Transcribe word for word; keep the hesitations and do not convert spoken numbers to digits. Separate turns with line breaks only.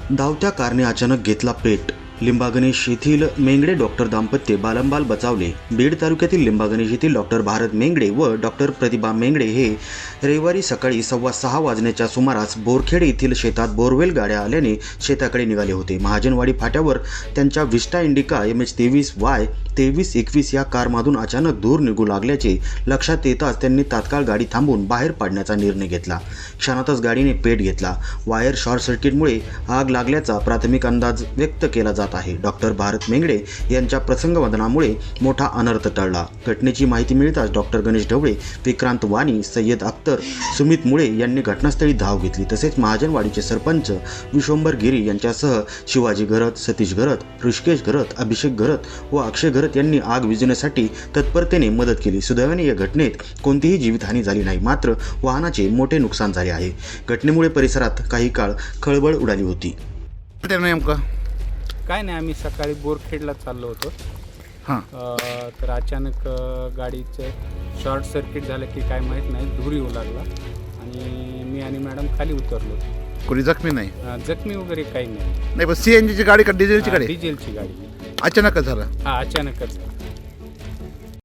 धावत्या कारने अचानक घेतला पेट. लिंबागणेश येथील मेंगडे डॉक्टर दाम्पत्य बालंबाल बचावले. बीड तालुक्यातील लिंबागणेश येथील डॉक्टर भारत मेंगडे व डॉक्टर प्रतिभा मेंगडे हे रविवारी सकाळी सव्वा सहा वाजण्याच्या सुमारास बोरखेड येथील शेतात बोरवेल गाड्या आल्याने शेताकडे निघाले होते. महाजनवाडी फाट्यावर त्यांच्या विस्टा इंडिका एम एच तेवीस वाय तेवीस एकवीस या कारमधून अचानक धूर निघू लागल्याचे लक्षात येताच त्यांनी तात्काळ गाडी थांबवून बाहेर पाडण्याचा निर्णय घेतला. क्षणातच गाडीने पेट घेतला. वायर शॉर्ट सर्किटमुळे आग लागल्याचा प्राथमिक अंदाज व्यक्त केला जात आहे. डॉक्टर भारत मेंगडे यांच्या प्रसंगवदनामुळे मोठा अनर्थ टळला. घटनेची माहिती मिळताच डॉक्टर गणेश ढवळे, विक्रांत वाणी, सय्यद अख्तर, सुमित मुळे यांनी घटनास्थळी धाव घेतली. तसेच महाजनवाडीचे सरपंच विश्वंभर गिरी यांच्यासह शिवाजी घरत, सतीश घरत, ऋषिकेश घरत, अभिषेक घरत व अक्षय घरत यांनी आग विझवण्यासाठी तत्परतेने मदत केली. सुदैवाने या घटनेत कोणतीही जीवितहानी झाली नाही, मात्र वाहनाचे मोठे नुकसान झाले आहे. घटनेमुळे परिसरात काही काळ खळबळ उडाली होती.
नेमकं
काय नाही, आम्ही सकाळी बोरखेडला चाललो होतो.
हां
अ, तर अचानक अ, गाडीचं शॉर्ट सर्किट झालं की काय माहीत नाही, धूर येऊ लागला आणि मी आणि मॅडम खाली उतरलो.
कोणी जखमी नाही?
अ, जखमी वगैरे काही नाही.
नाही, पण सी एन जीची गाडी का डिझेलची
हा,
गाडी?
डिझेलची गाडी.
अचानकच झालं?
हा, अचानकच.